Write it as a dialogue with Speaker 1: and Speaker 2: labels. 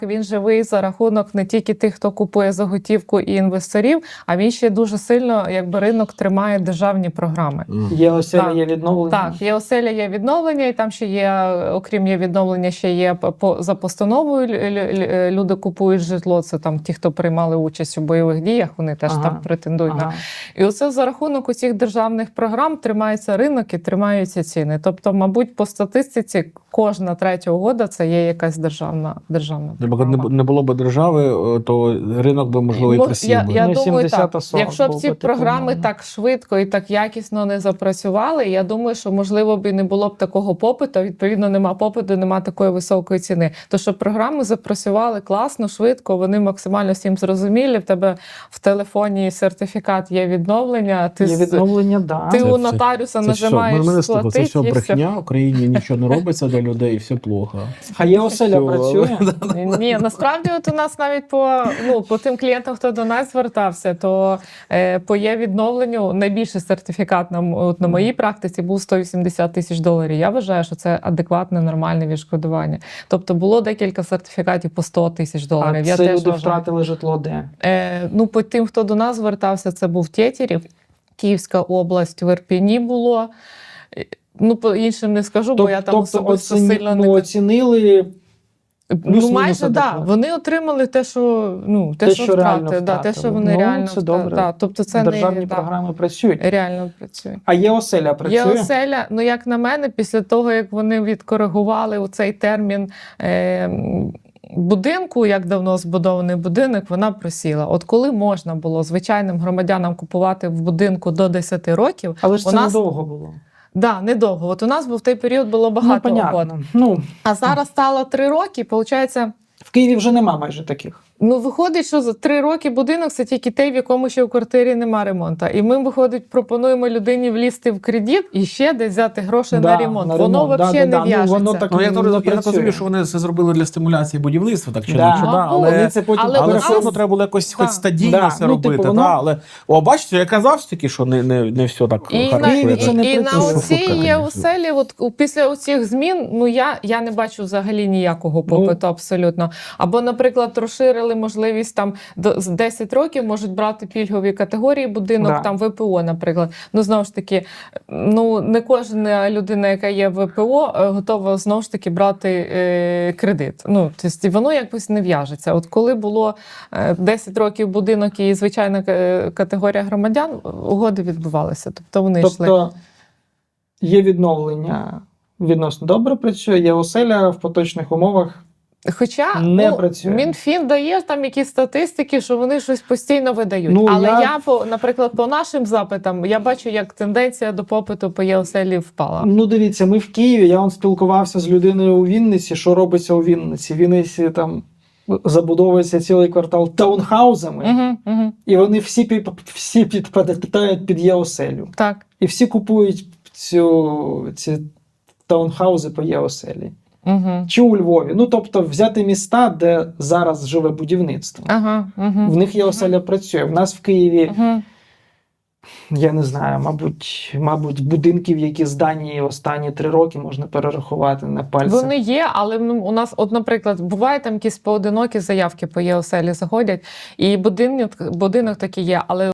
Speaker 1: Він живий за рахунок не тільки тих, хто купує за готівку і інвесторів, а він ще дуже сильно, якби ринок тримає державні програми.
Speaker 2: Є оселя, є відновлення.
Speaker 1: Так, є оселя, є відновлення, і там ще є, окрім є відновлення, ще є за постановою люди купують житло. Це там ті, хто приймали участь у бойових діях, вони теж там претендують на. І оце за рахунок усіх державних програм тримається ринок і тримаються ціни. Тобто, мабуть, по статистиці кожна третя угода це є якась державна програма.
Speaker 3: Не було б держави, то ринок би, можливо, і просів.
Speaker 1: Я думаю, так. Якщо б ці програми так швидко і так якісно не запрацювали, я думаю, що, можливо, б і не було б такого попиту, відповідно, нема попиту, нема такої високої ціни. То, що програми запрацювали класно, швидко, вони максимально всім зрозумілі, в тебе в телефоні сертифікат є відновлення, ти у нотаріуса нажимаєш сплатити.
Speaker 3: Це все брехня, в Україні нічого не робиться для людей, все плохо.
Speaker 2: А є оселя працює?
Speaker 1: Ні, насправді от у нас навіть по тим клієнтам, хто до нас звертався, то по є відновленню найбільший сертифікат на моїй практиці був $180 тисяч. Я вважаю, що це адекватне, нормальне відшкодування. Тобто було декілька сертифікатів по $100 тисяч.
Speaker 2: А це люди втратили житло де?
Speaker 1: По тим, хто до нас звертався, це був Тєтєрів, Київська область, в Ірпені було. По іншим не скажу, бо я там особисто сильно не...
Speaker 2: оцінили...
Speaker 1: майже, так. Вони отримали те, що втратили. Те, що вони реально втратили. Тобто це
Speaker 2: державні програми працюють.
Speaker 1: Реально працюють.
Speaker 2: А є оселя працює?
Speaker 1: Є оселя, як на мене, після того, як вони відкоригували цей термін будинку, як давно збудований будинок, вона просіла. От коли можна було звичайним громадянам купувати в будинку до 10 років...
Speaker 2: Але ж це недовго було.
Speaker 1: Так, недовго. От у нас в той період було багато угод. А зараз стало 3 роки, виходить...
Speaker 2: В Києві вже нема майже таких.
Speaker 1: Виходить, що за 3 роки будинок – це тільки той, в якому ще в квартирі нема ремонту. І ми, виходить, пропонуємо людині влізти в кредит і ще десь взяти гроші на ремонт. Воно взагалі не в'яжеться.
Speaker 3: Я так розумію, що вони це зробили для стимуляції будівництва, так чи не?
Speaker 1: Але
Speaker 3: все одно треба було якось хоч стадійно це робити. Але бачите, я казав таки, що не все так хорошо.
Speaker 1: І на оцій є оселі, після оцих змін, я не бачу взагалі ніякого попиту абсолютно. Або, наприклад, розширили можливість там з 10 років можуть брати пільгові категорії будинок, там ВПО, наприклад. Знову ж таки, не кожна людина, яка є в ВПО, готова знову ж таки брати кредит. Тобто воно якось не в'яжеться. От коли було 10 років будинок і звичайна категорія громадян, угоди відбувалися. Тобто вони йшли.
Speaker 2: Є відновлення, відносно добре працює, є оселя в поточних умовах.
Speaker 1: Хоча Мінфін дає там якісь статистики, що вони щось постійно видають. Але наприклад, по нашим запитам, я бачу, як тенденція до попиту по ЄОселі впала.
Speaker 2: Дивіться, ми в Києві, я спілкувався з людиною у Вінниці, що робиться у Вінниці. В Вінниці там забудовується цілий квартал таунхаузами, і вони всі підпадають під ЄОселю.
Speaker 1: Так.
Speaker 2: І всі купують ці таунхаузи по ЄОселі. Чи у Львові. Тобто взяти міста, де зараз живе будівництво. В них є оселя працює. В нас в Києві, я не знаю, мабуть, будинків, які здані останні 3 роки, можна перерахувати на пальцях.
Speaker 1: Вони є, але у нас, наприклад, буває там якісь поодинокі заявки по ЄОселі заходять, і будинок такий є, але